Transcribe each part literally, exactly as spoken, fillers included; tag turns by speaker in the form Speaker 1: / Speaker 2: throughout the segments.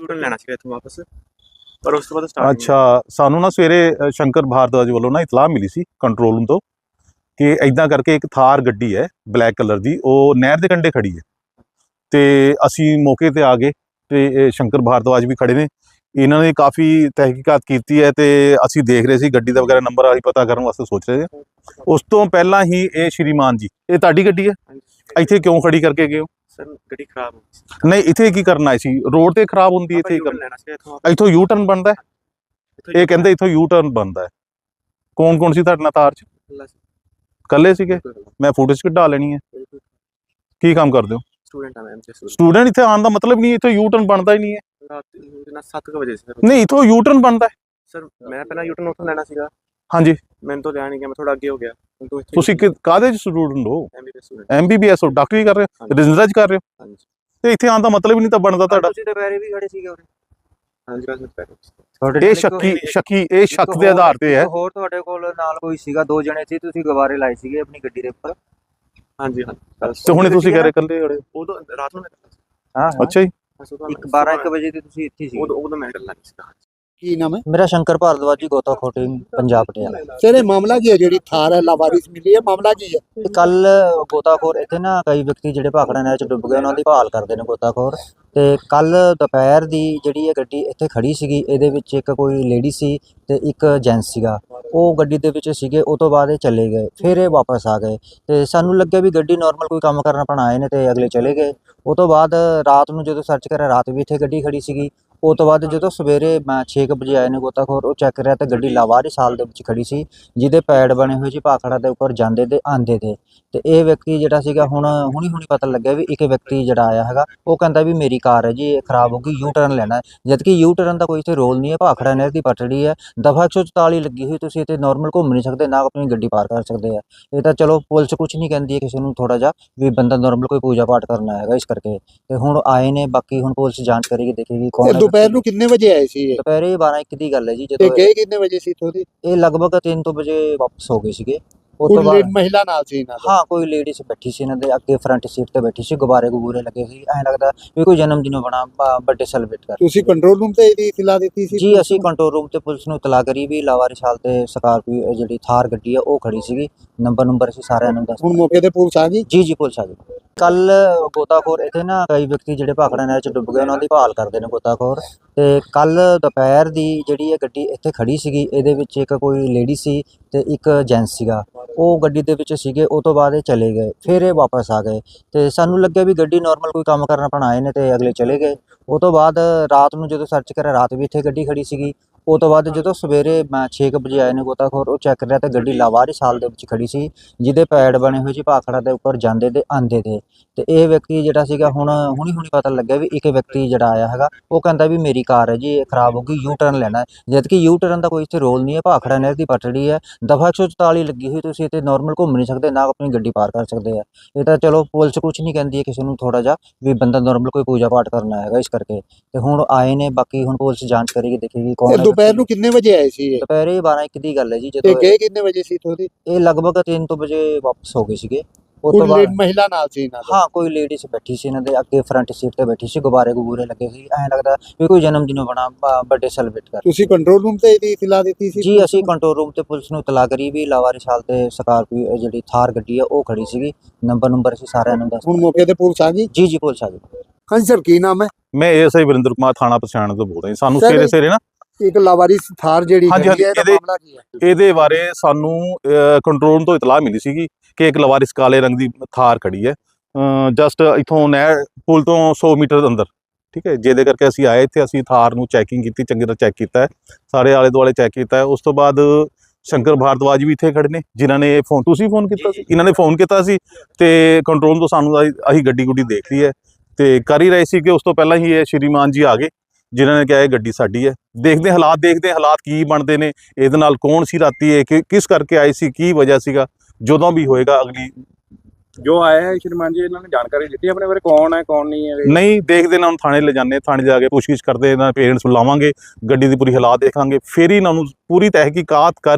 Speaker 1: Student लेना चाहिए इत्थों वापस पर उस तो बाद स्टार्ट
Speaker 2: अच्छा सानू ना सवेरे शंकर भारद्वाज वालों ना इतलाह मिली सी कंट्रोल रूम तो कि इदां करके एक थार गड्डी है ब्लैक कलर दी वो नहर के कंढे खड़ी है तो असी मौके पर आ गए तो शंकर भारद्वाज भी खड़े ने इन्होंने काफ़ी तहकीकात की है तो असी देख रहे थे गड्डी का वगैरह नंबर अभी पता करने वास्ते सोच रहे थे। उस तो पहला ही ये श्रीमान जी ये ताड़ी गड्डी है इत्थे क्यों खड़ी करके गए हो?
Speaker 1: सर गड्डी खराब हो
Speaker 2: नहीं इत्थे की करना सी रोड ते खराब होंदी इत्थे करना इत्थों यू टर्न बनता है ये कहते इत्थों यू टर्न बनता है। कौन कौन सी तुहाडे नाल तार च कल्ले सीगे? मैं फुटेज कढा लेनी है। की काम करदे हो?
Speaker 1: स्टूडेंट है मैम
Speaker 2: स्टूडेंट इत्थे आने का मतलब नहीं इत्थे यू टर्न बनता ही नहीं है।
Speaker 1: रात सात बजे सर
Speaker 2: नहीं इत्थों यू टर्न बनता है
Speaker 1: सर मैं पहला यू टर्न उठो लेना सीगा।
Speaker 2: हाँ जी
Speaker 1: मैंने तो ध्यान नहीं किया मैं थोड़ा आगे हो गया तो
Speaker 2: ਤੁਸੀਂ ਕਾਹਦੇ ਚ ਸਟੂਡੈਂਟ ਹੋ?
Speaker 1: एमबीबीएस स्टूडेंट
Speaker 2: ਐਮਬੀਬੀਐਸ ਹੋ ਡਾਕਟਰੀ ਕਰ ਰਹੇ ਹੋ ਰਜਿੰਦਰਾ ਚ ਕਰ ਰਹੇ ਹੋ
Speaker 1: हाँ जी
Speaker 2: ਤੇ ਇੱਥੇ ਆਉਣ ਦਾ ਮਤਲਬ ਹੀ ਨਹੀਂ ਤਾਂ ਬਣਦਾ ਤੁਹਾਡਾ।
Speaker 3: ਤੁਸੀਂ ਦੁਪਹਿਰੇ ਵੀ ਖੜੇ ਸੀਗੇ ਉਰੇ
Speaker 1: हाँ जी बस मैं
Speaker 3: ਤੁਹਾਡੇ
Speaker 2: ਇਹ
Speaker 3: ਨਾਲ
Speaker 2: ਸ਼ੱਕੀ
Speaker 3: ਇੱਕ-
Speaker 2: ਸ਼ੱਕੀ ਇਹ
Speaker 3: ਇੱਕ
Speaker 2: ਸ਼ੱਕ ਦੇ
Speaker 3: ਹੋਰ-
Speaker 2: ਆਧਾਰ ਤੇ ਹੈ।
Speaker 3: ਇੱਕ ਹੋਰ ਤੁਹਾਡੇ ਕੋਲ ਨਾਲ ਕੋਈ ਸੀਗਾ ਦੋ ਜਣੇ ਸੀ ਤੁਸੀਂ ਗੁਬਾਰੇ ਲਾਏ ਸੀਗੇ ਆਪਣੀ ਗੱਡੀ ਦੇ ਉੱਪਰ।
Speaker 1: हाँ जी हाँ
Speaker 2: ਤੇ ਹੁਣੇ ਤੁਸੀਂ ਕਹਿ ਰਹੇ ਇਕੱਲੇ ਖੜੇ ਹੋ।
Speaker 1: वो तो रात में
Speaker 3: ਹਾਂ
Speaker 2: ਅੱਛਾ ਜੀ
Speaker 3: ਇੱਕ ਬਾਰਾਂ ਇੱਕ ਵਜੇ ਤੇ ਤੁਸੀਂ ਇੱਥੇ
Speaker 1: वो
Speaker 3: ਸੀਗੇ।
Speaker 1: तो वो तो मैं करना नहीं सीगा।
Speaker 4: ਕੀ ਨਾਮ ਹੈ
Speaker 3: ਮੇਰਾ ਸ਼ੰਕਰ ਭਾਰਦਵਾਜ ਜੀ ਗੋਤਾਖੋਟੀ ਪੰਜਾਬ ਪਟਿਆਲਾ।
Speaker 4: ਸਰ ਇਹ ਮਾਮਲਾ ਕੀ ਹੈ ਜਿਹੜੀ ਥਾਰ ਹੈ ਲਾਵਾਰਿਸ ਮਿਲੀ ਹੈ ਮਾਮਲਾ ਕੀ ਹੈ?
Speaker 3: ਕੱਲ ਗੋਤਾਖੋਰ ਇੱਥੇ ਨਾ ਕਈ ਵਿਅਕਤੀ ਜਿਹੜੇ ਭਾਖੜਾ ਨਹਿਰ ਚ ਡੁੱਬ ਗਏ ਉਹਨਾਂ ਦੀ ਭਾਲ ਕਰਦੇ ਨੇ ਗੋਤਾਖੋਰ ਤੇ ਕੱਲ ਦੁਪਹਿਰ ਦੀ ਜਿਹੜੀ ਇਹ ਗੱਡੀ ਇੱਥੇ ਖੜੀ ਸੀਗੀ ਇਹਦੇ ਵਿੱਚ ਇੱਕ ਕੋਈ ਲੇਡੀ ਸੀ ਤੇ ਇੱਕ ਜੈਂਟਸ ਸੀਗਾ ਉਹ ਗੱਡੀ ਦੇ ਵਿੱਚ ਸੀਗੇ। ਉਹ ਤੋਂ ਬਾਅਦ ਇਹ ਚਲੇ ਗਏ ਫਿਰ ਇਹ ਵਾਪਸ ਆ ਗਏ ਤੇ ਸਾਨੂੰ ਲੱਗਿਆ ਵੀ ਗੱਡੀ ਨਾਰਮਲ ਕੋਈ ਕੰਮ ਕਰਨ ਆਪਣਾ ਆਏ ਨੇ ਤੇ ਅਗਲੇ ਚਲੇ ਗਏ। ਉਹ ਤੋਂ ਬਾਅਦ ਰਾਤ ਨੂੰ ਜਦੋਂ ਸਰਚ ਕਰਿਆ ਰਾਤ ਵੀ ਇੱਥੇ ਗੱਡੀ ਖੜੀ ਸੀਗੀ। ਉਹ ਤੋਂ ਬਾਅਦ ਜਦੋਂ ਸਵੇਰੇ ਛੇ ਕੁ ਵਜੇ ਆਏ ਨੇ ਗੋਤਾਖੋਰ ਉਹ ਚੈੱਕ ਕਰਿਆ ਤਾਂ ਗੱਡੀ ਲਾਵਾਰਿਸ ਹਾਲ ਦੇ ਵਿੱਚ ਖੜੀ ਸੀ ਜਿਹਦੇ ਪੈਡ ਬਣੇ ਹੋਏ ਸੀ ਭਾਖੜਾ ਦੇ ਉੱਪਰ ਜਾਂਦੇ ਤੇ ਆਂਦੇ ਤੇ ਤੇ ਇਹ ਵਿਅਕਤੀ ਜਿਹੜਾ ਸੀਗਾ ਹੁਣ ਹੁਣੀ ਹੁਣੀ ਪਤਾ ਲੱਗਿਆ ਵੀ ਇੱਕ ਵਿਅਕਤੀ ਜਿਹੜਾ ਆਇਆ ਹੈਗਾ ਉਹ ਕਹਿੰਦਾ ਵੀ ਮੇਰੀ ਕਾਰ ਹੈ ਜੀ ਇਹ ਖਰਾਬ ਹੋ ਗਈ ਯੂ ਟਰਨ ਲੈਣਾ ਹੈ ਜਦਕਿ ਯੂ ਟਰਨ ਦਾ ਕੋਈ ਇੱਥੇ ਰੋਲ ਨਹੀਂ ਹੈ। ਭਾਖੜਾ ਨਹਿਰ ਦੀ ਪਟੜੀ ਹੈ ਦਫਾ ਇੱਕ ਸੌ ਚੁਤਾਲੀ ਲੱਗੀ ਹੋਈ ਤੁਸੀਂ ਇੱਥੇ ਨਾਰਮਲ ਘੁੰਮ ਨਹੀਂ ਸਕਦੇ ਨਾ ਆਪਣੀ ਗੱਡੀ ਪਾਰ ਕਰ ਸਕਦੇ ਆ। ਇਹ ਤਾਂ ਚਲੋ ਪੁਲਿਸ ਕੁਝ ਨਹੀਂ ਕਹਿੰਦੀ ਹੈ ਕਿਸੇ ਨੂੰ ਥੋੜਾ ਜਿਹਾ ਵੀ ਬੰਦਾ ਨਾਰਮਲ ਕੋਈ ਪੂਜਾ ਪਾਠ ਕਰਨਾ ਹੈਗਾ ਇਸ ਕਰਕੇ ਤੇ ਹੁਣ ਆਏ ਨੇ ਬਾਕੀ ਹੁਣ ਪੁਲਿਸ ਜਾਂਚ ਕਰੇਗੀ ਦੇਖੇਗੀ ਕੌਣ
Speaker 4: ਇਹ
Speaker 3: ਹੈ।
Speaker 4: ਦੁਪਹਿਰ ਨੂੰ ਕਿੰਨੇ ਵਜੇ ਆਏ ਸੀ ਇਹ
Speaker 3: ਦੁਪਹਿਰੇ ਬਾਰਾਂ ਇੱਕ ਦੀ ਗੱਲ ਹੈ ਜੀ
Speaker 4: ਤੇ
Speaker 3: ਜਦੋਂ
Speaker 4: ਗਏ ਕਿੰਨੇ ਵਜੇ ਸੀ ਇੱਥੋਂ ਦੀ?
Speaker 3: ਇਹ ਲਗਭਗ ਤਿੰਨ ਤੋਂ ਵਜੇ ਵਾਪਸ ਹੋ ਗਏ ਸੀਗੇ। ਉਹ
Speaker 4: ਕੋਈ
Speaker 3: ਤੋਂ ਬਾਅਦ
Speaker 4: ਮਹਿਲਾ ਨਾਲ ਸੀ ਇਹਨਾਂ ਦੇ?
Speaker 3: ਹਾਂ ਕੋਈ ਲੇਡੀਜ਼ ਬੈਠੀ ਸੀ ਇਹਨਾਂ ਦੇ ਅੱਗੇ ਫਰੰਟ ਸੀਟ ਤੇ ਬੈਠੀ ਸੀ ਗੁਬਾਰੇ ਗੁਬੂਰੇ ਲੱਗੇ ਸੀ ਐਂ ਲੱਗਦਾ ਵੀ ਕੋਈ ਜਨਮ ਦਿਨ ਬਣਾ ਬਰਥਡੇ ਸੈਲੀਬ੍ਰੇਟ ਕਰ।
Speaker 4: ਤੁਸੀਂ ਕੰਟਰੋਲ ਰੂਮ ਤੇ ਇਹਦੀ ਇਤਲਾ ਦਿੱਤੀ ਸੀ?
Speaker 3: ਜੀ ਅਸੀਂ ਕੰਟਰੋਲ ਰੂਮ ਤੇ ਪੁਲਿਸ ਨੂੰ ਇਤਲਾਹ ਕਰੀ ਵੀ ਲਾਵਾਰਿਸ ਹਾਲ ਤੇ ਸਕਾਰਪੀਓ ਜਿਹੜੀ ਥਾਰ ਗੱਡੀ ਆ ਉਹ ਖੜੀ ਸੀਗੀ ਨੰਬਰ ਨੰਬਰ ਅਸੀਂ ਸਾਰਿਆਂ ਨੂੰ ਦੱਸ
Speaker 4: ਹੁਣ ਮੌਕੇ ਤੇ ਪੁਲਿਸ ਆ ਗਈ?
Speaker 3: ਜੀ ਜੀ ਪੁਲਿਸ ਆ ਗਈ। ਕੱਲ ਗੋਤਾਖੋਰ ਇੱਥੇ ਨਾ ਕਈ ਵਿਅਕਤੀ ਜਿਹੜੇ ਭਾਖੜਾ ਨਹਿਰ ਚ ਡੁੱਬ ਗਏ ਉਹਨਾਂ ਦੀ ਭਾਲ ਕਰਦੇ ਨੇ ਗੋਤਾਖੋਰ ਤੇ ਕੱਲ ਦੁਪਹਿਰ ਦੀ ਜਿਹੜੀ ਇਹ ਗੱਡੀ ਇੱਥੇ ਖੜੀ ਸੀਗੀ ਇਹਦੇ ਵਿੱਚ ਇੱਕ ਕੋਈ ਲੇਡੀ ਸੀ ਤੇ ਇੱਕ ਜੈਂਟਸ ਸੀਗਾ ਉਹ ਗੱਡੀ ਦੇ ਵਿੱਚ ਸੀਗੇ। ਉਹ ਤੋਂ ਬਾਅਦ ਇਹ ਚਲੇ ਗਏ ਫਿਰ ਇਹ ਵਾਪਸ ਆ ਗਏ ਤੇ ਸਾਨੂੰ ਲੱਗਿਆ ਵੀ ਗੱਡੀ ਨਾਰਮਲ ਕੋਈ ਕੰਮ ਕਰਨ ਆਪਣਾ ਆਏ ਨੇ ਤੇ ਅਗਲੇ ਚਲੇ ਗਏ। ਉਹ ਤੋਂ ਬਾਅਦ ਰਾਤ ਨੂੰ ਜਦੋਂ ਸਰਚ ਕਰਿਆ ਰਾਤ ਵੀ ਇੱਥੇ ਗੱਡੀ ਖੜੀ ਸੀਗੀ। ਉਹ ਤੋਂ ਬਾਅਦ ਜਦੋਂ ਸਵੇਰੇ ਛੇ ਕੁ ਵਜੇ ਆਏ ਨੇ ਗੋਤਾਖੋਰ ਉਹ ਚੈੱਕ ਕਰਿਆ ਤਾਂ ਗੱਡੀ ਲਾਵਾਰਿਸ ਹਾਲ ਦੇ ਵਿੱਚ ਖੜੀ ਸੀ ਜਿਹਦੇ ਪੈਡ ਬਣੇ ਹੋਏ ਸੀ ਭਾਖੜਾ ਦੇ ਉੱਪਰ ਜਾਂਦੇ ਤੇ ਆਂਦੇ ਤੇ ਤੇ ਇਹ ਵਿਅਕਤੀ ਜਿਹੜਾ ਸੀਗਾ ਹੁਣ ਹੁਣੀ ਹੁਣੀ ਪਤਾ ਲੱਗਿਆ ਵੀ ਇੱਕ ਵਿਅਕਤੀ ਜਿਹੜਾ ਆਇਆ ਹੈਗਾ ਉਹ ਕਹਿੰਦਾ ਵੀ ਮੇਰੀ ਕਾਰ ਹੈ ਜੀ ਇਹ ਖਰਾਬ ਹੋ ਗਈ ਯੂ ਟਰਨ ਲੈਣਾ ਹੈ ਜਦਕਿ ਯੂ ਟਰਨ ਦਾ ਕੋਈ ਇੱਥੇ ਰੋਲ ਨਹੀਂ ਹੈ। ਭਾਖੜਾ ਨਹਿਰ ਦੀ ਪਟੜੀ ਹੈ ਦਫਾ ਇੱਕ ਸੌ ਚੁਤਾਲੀ ਲੱਗੀ ਹੋਈ ਤੁਸੀਂ ਇੱਥੇ ਨਾਰਮਲ ਘੁੰਮ ਨਹੀਂ ਸਕਦੇ ਨਾ ਆਪਣੀ ਗੱਡੀ ਪਾਰ ਕਰ ਸਕਦੇ ਆ। ਇਹ ਤਾਂ ਚਲੋ ਪੁਲਿਸ ਕੁਝ ਨਹੀਂ ਕਹਿੰਦੀ ਹੈ ਕਿਸੇ ਨੂੰ ਥੋੜਾ ਜਿਹਾ ਵੀ ਬੰਦਾ ਨਾਰਮਲ ਕੋਈ ਪੂਜਾ ਪਾਠ ਕਰਨਾ ਹੈਗਾ ਇਸ ਕਰਕੇ ਤੇ ਹੁਣ ਆਏ ਨੇ ਬਾਕੀ ਹੁਣ ਪੁਲਿਸ ਜਾਂਚ ਕਰੇਗੀ ਦੇਖੇਗੀ ਕੌਣ
Speaker 4: ਇਹ
Speaker 3: ਹੈ।
Speaker 4: ਦੁਪਹਿਰ ਨੂੰ ਕਿੰਨੇ ਵਜੇ ਆਏ ਸੀ ਇਹ?
Speaker 3: ਦੁਪਹਿਰੇ ਬਾਰਾਂ ਇੱਕ ਦੀ ਗੱਲ ਹੈ ਜੀ
Speaker 4: ਤੇ
Speaker 3: ਜਦੋਂ
Speaker 4: ਗਏ ਕਿੰਨੇ ਵਜੇ ਸੀ ਇੱਥੋਂ ਦੀ?
Speaker 3: ਇਹ ਲਗਭਗ ਤਿੰਨ ਤੋਂ ਵਜੇ ਵਾਪਸ ਹੋ ਗਏ ਸੀਗੇ। ਉਹ
Speaker 4: ਕੋਈ
Speaker 3: ਤੋਂ ਬਾਅਦ
Speaker 4: ਮਹਿਲਾ ਨਾਲ ਸੀ ਇਹਨਾਂ ਦੇ?
Speaker 3: ਹਾਂ ਕੋਈ ਲੇਡੀਜ਼ ਬੈਠੀ ਸੀ ਇਹਨਾਂ ਦੇ ਅੱਗੇ ਫਰੰਟ ਸੀਟ ਤੇ ਬੈਠੀ ਸੀ ਗੁਬਾਰੇ ਗੁਬੂਰੇ ਲੱਗੇ ਸੀ ਐਂ ਲੱਗਦਾ ਵੀ ਕੋਈ ਜਨਮ ਦਿਨ ਬਣਾ ਬਰਥਡੇ ਸੈਲੀਬ੍ਰੇਟ ਕਰ।
Speaker 4: ਤੁਸੀਂ ਕੰਟਰੋਲ ਰੂਮ ਤੇ ਇਹਦੀ ਇਤਲਾ ਦਿੱਤੀ ਸੀ?
Speaker 3: ਜੀ ਅਸੀਂ ਕੰਟਰੋਲ ਰੂਮ ਤੇ ਪੁਲਿਸ ਨੂੰ ਇਤਲਾਹ ਕਰੀ ਵੀ ਲਾਵਾਰਿਸ ਹਾਲ ਤੇ ਸਕਾਰਪੀਓ ਜਿਹੜੀ ਥਾਰ ਗੱਡੀ ਆ ਉਹ ਖੜੀ ਸੀਗੀ ਨੰਬਰ ਨੰਬਰ ਅਸੀਂ ਸਾਰਿਆਂ ਨੂੰ ਦੱਸ
Speaker 4: ਹੁਣ ਮੌਕੇ ਤੇ ਪੁਲਿਸ ਆ ਗਈ?
Speaker 3: ਜੀ ਜੀ ਪੁਲਿਸ ਆ ਗਈ।
Speaker 4: ਹਾਂਜੀ ਸਰ ਕੀ ਨਾਮ ਹੈ?
Speaker 2: ਮੈਂ ਐਸਆਈ ਵਰਿੰਦਰ ਕੁਮਾਰ ਥਾਣਾ ਪਛਾਣ ਤੋਂ ਬੋਲ ਰਿਹਾ ਸਾਨੂੰ
Speaker 4: Sir,
Speaker 2: ਸਵੇਰੇ ਸਵੇਰੇ ਨਾ
Speaker 4: ਇੱਕ ਲਾਵਾਰਿਸ ਥਾਰ ਜਿਹੜੀ
Speaker 2: ਹਾਂਜੀ,
Speaker 4: ਗੱਡੀ ਹੈ ਇਹਦਾ
Speaker 2: ਇਹਦੇ-
Speaker 4: ਮਾਮਲਾ ਕੀ ਹੈ?
Speaker 2: ਇਹਦੇ ਬਾਰੇ ਸਾਨੂੰ ਕੰਟਰੋਲ ਤੋਂ ਇਤਲਾਹ ਮਿਲੀ ਸੀਗੀ ਕਿ ਇੱਕ ਲਵਾਰਿਸ ਕਾਲੇ ਰੰਗ ਦੀ ਥਾਰ ਖੜੀ ਹੈ ਜਸਟ ਇਥੋਂ ਨਹਿਰ ਪੁਲ ਤੋਂ ਸੌ ਮੀਟਰ ਅੰਦਰ ਠੀਕ ਹੈ ਜਿਹਦੇ ਕਰਕੇ ਅਸੀਂ ਆਏ ਇੱਥੇ ਅਸੀਂ ਥਾਰ ਨੂੰ ਚੈਕਿੰਗ ਕੀਤੀ ਚੰਗੀ ਤਰ੍ਹਾਂ ਚੈੱਕ ਕੀਤਾ ਹੈ ਸਾਰੇ ਆਲੇ ਦੁਆਲੇ ਚੈੱਕ ਕੀਤਾ ਹੈ। ਉਸ ਤੋਂ ਬਾਅਦ ਸ਼ੰਕਰ ਭਾਰਦਵਾਜ ਵੀ ਇੱਥੇ ਖੜੇ ਨੇ ਜਿਨ੍ਹਾਂ ਨੇ ਫੋਨ ਤੁਸੀਂ ਫੋਨ ਕੀਤਾ ਸੀ ਇਹਨਾਂ ਨੇ ਫੋਨ ਕੀਤਾ ਸੀ ਤੇ ਕੰਟਰੋਲ ਤੋਂ ਸਾਨੂੰ ਅਸੀਂ ਗੱਡੀ ਗੁੱਡੀ ਦੇਖ ਲਈ ਹੈ ਤੇ ਕਰ ਹੀ ਰਹੇ ਸੀ ਕਿ ਉਸ ਤੋਂ ਪਹਿਲਾਂ ਹੀ ਇਹ ਸ਼੍ਰੀਮਾਨ ਜੀ ਆ ਗਏ ਜਿਨ੍ਹਾਂ ਨੇ ਕਿਹਾ ਇਹ ਗੱਡੀ ਸਾਡੀ ਹੈ। ਦੇਖਦੇ ਹਾਲਾਤ ਦੇਖਦੇ ਹਾਲਾਤ ਕੀ ਬਣਦੇ ਨੇ ਇਹਦੇ ਨਾਲ ਕੌਣ ਸੀ ਰਾਤੀ ਇਹ ਕਿ ਕਿਸ ਕਰਕੇ ਆਈ ਸੀ ਕੀ ਵਜ੍ਹਾ ਸੀਗਾ ਜਦੋਂ ਵੀ ਹੋਏਗਾ ਅਗਲੀ
Speaker 5: जो आया है श्रीमान जी इन्होंने जानकारी दी अपने बारे कौन है कौन नहीं है
Speaker 2: नहीं देखते ना थाने ले जाने थाने जाके पुछगिछ करते पेरेंट्स बुलावांगे गड्डी की पूरी हालात देखांगे फिर ही इन्होंने पूरी तहकीकात करके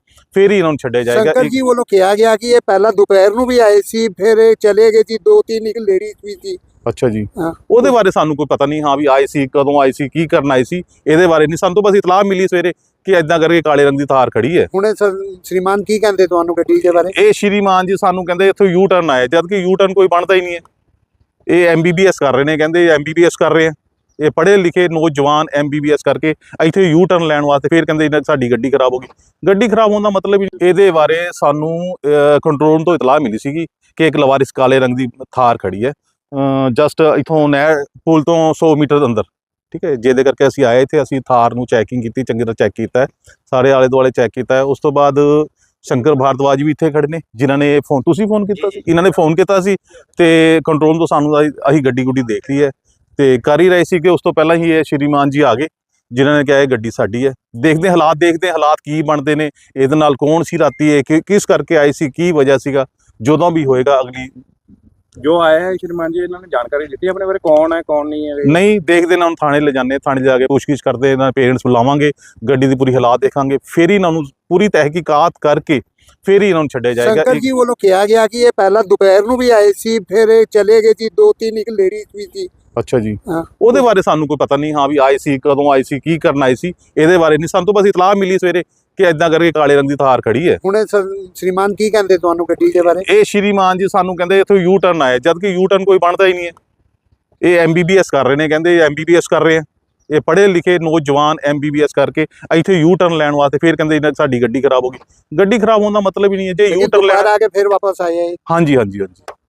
Speaker 2: ਫਿਰ ਹੀ ਇਹਨਾਂ ਨੂੰ ਛੱਡਿਆ ਜਾਏਗਾ।
Speaker 4: ਸ਼ੰਕਰ
Speaker 2: ਇੱਕ-
Speaker 4: ਜੀ ਵੱਲੋਂ ਕਿਹਾ ਗਿਆ ਕਿ ਇਹ ਪਹਿਲਾਂ ਦੁਪਹਿਰ ਨੂੰ ਵੀ ਆਏ ਸੀ, ਫਿਰ ਇਹ ਚਲੇ ਗਏ ਜੀ। ਦੋ ਤਿੰਨ ਇੱਕ ਲੇਡੀਜ਼ ਵੀ ਸੀ।
Speaker 2: ਅੱਛਾ ਜੀ,
Speaker 4: ਹਾਂ।
Speaker 2: ਉਹਦੇ ਬਾਰੇ ਸਾਨੂੰ ਕੋਈ ਪਤਾ ਨਹੀਂ, ਹਾਂ ਵੀ ਆਏ ਸੀ, ਕਦੋਂ ਆਏ ਸੀ, ਕੀ ਕਰਨ ਆਏ ਸੀ, ਇਹਦੇ ਬਾਰੇ ਨਹੀਂ। ਸਾਨੂੰ ਤਾਂ ਬਸ ਇਤਲਾਹ ਮਿਲੀ ਸਵੇਰੇ ਕਿ ਐਦਾਂ ਕਰਕੇ ਕਾਲੇ ਰੰਗ ਦੀ ਥਾਰ ਖੜੀ ਹੈ।
Speaker 4: ਹੁਣ ਇਹ ਸ- ਸ਼੍ਰੀਮਾਨ ਕੀ ਕਹਿੰਦੇ ਤੁਹਾਨੂੰ ਗੱਡੀ ਦੇ ਬਾਰੇ?
Speaker 2: ਇਹ ਸ਼੍ਰੀਮਾਨ ਜੀ ਸਾਨੂੰ ਕਹਿੰਦੇ ਇੱਥੋਂ ਯੂ ਟਰਨ ਆਏ, ਜਦ ਕਿ ਯੂ ਟਰਨ ਕੋਈ ਬਣਦਾ ਹੀ ਨਹੀਂ ਹੈ। ਇਹ ਐਮ ਬੀ ਬੀ ਐਸ ਕਰ ਰਹੇ ਨੇ, ਕਹਿੰਦੇ ਐਮ ਬੀ ਬੀ ਐਸ ਕਰ ਰਹੇ ਆ। ਇਹ ਪੜ੍ਹੇ ਲਿਖੇ ਨੌਜਵਾਨ ਐਮ ਬੀ ਬੀ ਐਸ ਕਰਕੇ ਇੱਥੇ ਯੂ ਟਰਨ ਲੈਣ ਵਾਸਤੇ ਫਿਰ ਕਹਿੰਦੇ ਇਹਨਾਂ ਸਾਡੀ ਗੱਡੀ ਖਰਾਬ ਹੋ ਗਈ। ਗੱਡੀ ਖਰਾਬ ਹੋਣ ਦਾ ਮਤਲਬ ਹੀ ਇਹਦੇ ਬਾਰੇ ਸਾਨੂੰ ਕੰਟਰੋਲ ਤੋਂ ਇਤਲਾਹ ਮਿਲੀ ਸੀਗੀ ਕਿ ਇੱਕ ਲਵਾਰਿਸ ਕਾਲੇ ਰੰਗ ਦੀ ਥਾਰ ਖੜੀ ਹੈ ਜਸਟ ਇਥੋਂ ਨਹਿਰ ਪੁਲ ਤੋਂ ਸੌ ਮੀਟਰ ਅੰਦਰ, ਠੀਕ ਹੈ। ਜਿਹਦੇ ਕਰਕੇ ਅਸੀਂ ਆਏ ਇੱਥੇ, ਅਸੀਂ ਥਾਰ ਨੂੰ ਚੈਕਿੰਗ ਕੀਤੀ, ਚੰਗੀ ਤਰ੍ਹਾਂ ਚੈੱਕ ਕੀਤਾ ਹੈ, ਸਾਰੇ ਆਲੇ ਦੁਆਲੇ ਚੈੱਕ ਕੀਤਾ ਹੈ। ਉਸ ਤੋਂ ਬਾਅਦ ਸ਼ੰਕਰ ਭਾਰਦਵਾਜ ਵੀ ਇੱਥੇ ਖੜੇ ਨੇ, ਜਿਨ੍ਹਾਂ ਨੇ ਫੋਨ, ਤੁਸੀਂ ਫੋਨ ਕੀਤਾ ਸੀ, ਇਹਨਾਂ ਨੇ ਫੋਨ ਕੀਤਾ ਸੀ ਤੇ ਕੰਟਰੋਲ ਤੋਂ ਸਾਨੂੰ ਅਸੀਂ ਅਸੀਂ ਗੱਡੀ ਗੁੱਡੀ ਦੇਖ ਲਈ ਹੈ ਤੇ ਕਰ ਹੀ ਰਹੇ ਸੀ ਕਿ ਉਸ ਤੋਂ ਪਹਿਲਾਂ ਹੀ ਇਹ ਸ਼੍ਰੀਮਾਨ ਜੀ ਆ ਗਏ, ਜਿਨ੍ਹਾਂ ਨੇ ਕਿਹਾ ਇਹ ਗੱਡੀ ਸਾਡੀ ਹੈ। ਦੇਖਦੇ ਹਾਲਾਤ ਦੇਖਦੇ ਹਾਲਾਤ ਕੀ ਬਣਦੇ ਨੇ, ਇਹਦੇ ਨਾਲ ਕੌਣ ਸੀ ਰਾਤੀ, ਇਹ ਕਿ- ਕਿਸ ਕਰਕੇ ਆਈ ਸੀ, ਕੀ ਵਜ੍ਹਾ ਸੀਗਾ, ਜਦੋਂ ਵੀ ਹੋਏਗਾ ਅਗਲੀ
Speaker 5: ਜੋ ਆਇਆ ਹੈ ਸ਼੍ਰੀਮਾਨ ਜੀ ਇਹਨਾਂ ਨੇ ਜਾਣਕਾਰੀ ਦਿੱਤੀ ਆਪਣੇ ਬਾਰੇ, ਕੌਣ ਹੈ ਕੌਣ ਨਹੀਂ ਹੈ?
Speaker 2: ਨਹੀਂ ਦੇਖਦੇ ਨਾ, ਹੁਣ ਥਾਣੇ ਲੈ ਜਾਂਦੇ, ਥਾਣੇ ਜਾ ਕੇ ਪੁੱਛਗਿੱਛ ਕਰਦੇ, ਇਹਨਾਂ ਪੇਰੈਂਟਸ ਬੁਲਾਵਾਂਗੇ, ਗੱਡੀ ਦੀ ਪੂਰੀ ਹਾਲਾਤ ਦੇਖਾਂਗੇ, ਫਿਰ ਹੀ ਇਹਨਾਂ ਨੂੰ ਪੂਰੀ ਤਹਿਕੀਕਾਤ ਕਰਕੇ ਫਿਰ ਹੀ ਇਹਨਾਂ ਨੂੰ ਛੱਡਿਆ ਜਾਏਗਾ।
Speaker 4: ਸ਼ੰਕਰ
Speaker 2: ਇੱਕ-
Speaker 4: ਜੀ ਵੱਲੋਂ ਕਿਹਾ ਗਿਆ ਕਿ ਇਹ ਪਹਿਲਾਂ ਦੁਪਹਿਰ ਨੂੰ ਵੀ ਆਏ ਸੀ, ਫਿਰ ਇਹ ਚਲੇ ਗਏ ਜੀ। ਦੋ ਤਿੰਨ ਇੱਕ ਲੇਡੀਜ਼ ਵੀ ਸੀ।
Speaker 2: ਅੱਛਾ ਜੀ,
Speaker 4: ਹਾਂ।
Speaker 2: ਉਹਦੇ ਬਾਰੇ ਸਾਨੂੰ ਕੋਈ ਪਤਾ ਨਹੀਂ, ਹਾਂ ਵੀ ਆਏ ਸੀ, ਕਦੋਂ ਆਏ ਸੀ, ਕੀ ਕਰਨ ਆਏ ਸੀ, ਇਹਦੇ ਬਾਰੇ ਨਹੀਂ। ਸਾਨੂੰ ਤਾਂ ਬਸ ਇਤਲਾਹ ਮਿਲੀ ਸਵੇਰੇ ਕਿ ਐਦਾਂ ਕਰਕੇ ਕਾਲੇ ਰੰਗ ਦੀ ਥਾਰ ਖੜੀ ਹੈ।
Speaker 4: ਹੁਣ ਇਹ ਸ- ਸ਼੍ਰੀਮਾਨ ਕੀ ਕਹਿੰਦੇ ਤੁਹਾਨੂੰ ਗੱਡੀ ਦੇ ਬਾਰੇ?
Speaker 2: ਇਹ ਸ਼੍ਰੀਮਾਨ ਜੀ ਸਾਨੂੰ ਕਹਿੰਦੇ ਇੱਥੋਂ ਯੂ ਟਰਨ ਆਏ, ਜਦ ਕਿ ਯੂ ਟਰਨ ਕੋਈ ਬਣਦਾ ਹੀ ਨਹੀਂ ਹੈ। ਇਹ ਐਮ ਬੀ ਬੀ ਐਸ ਕਰ ਰਹੇ ਨੇ, ਕਹਿੰਦੇ ਐਮ ਬੀ ਬੀ ਐਸ ਕਰ ਰਹੇ ਆ। ਇਹ ਪੜ੍ਹੇ ਲਿਖੇ ਨੌਜਵਾਨ ਐਮ ਬੀ ਬੀ ਐਸ ਕਰਕੇ ਇੱਥੇ ਯੂ ਟਰਨ ਲੈਣ ਵਾਸਤੇ ਫਿਰ ਕਹਿੰਦੇ ਇਹਨਾਂ ਸਾਡੀ ਗੱਡੀ ਖਰਾਬ ਹੋ ਗਈ। ਗੱਡੀ ਖਰਾਬ ਹੋਣ ਦਾ ਮਤਲਬ ਹੀ ਨਹੀਂ ਹੈ। ਜੇ ਯੂ ਟਰਨ
Speaker 4: ਦੁਪਹਿਰ
Speaker 2: ਲੈਣ,
Speaker 4: ਆ ਕੇ ਫਿਰ ਵਾਪਸ ਆਏ ਆ ਇਹ।
Speaker 2: ਹਾਂਜੀ ਹਾਂਜੀ ਹਾਂਜੀ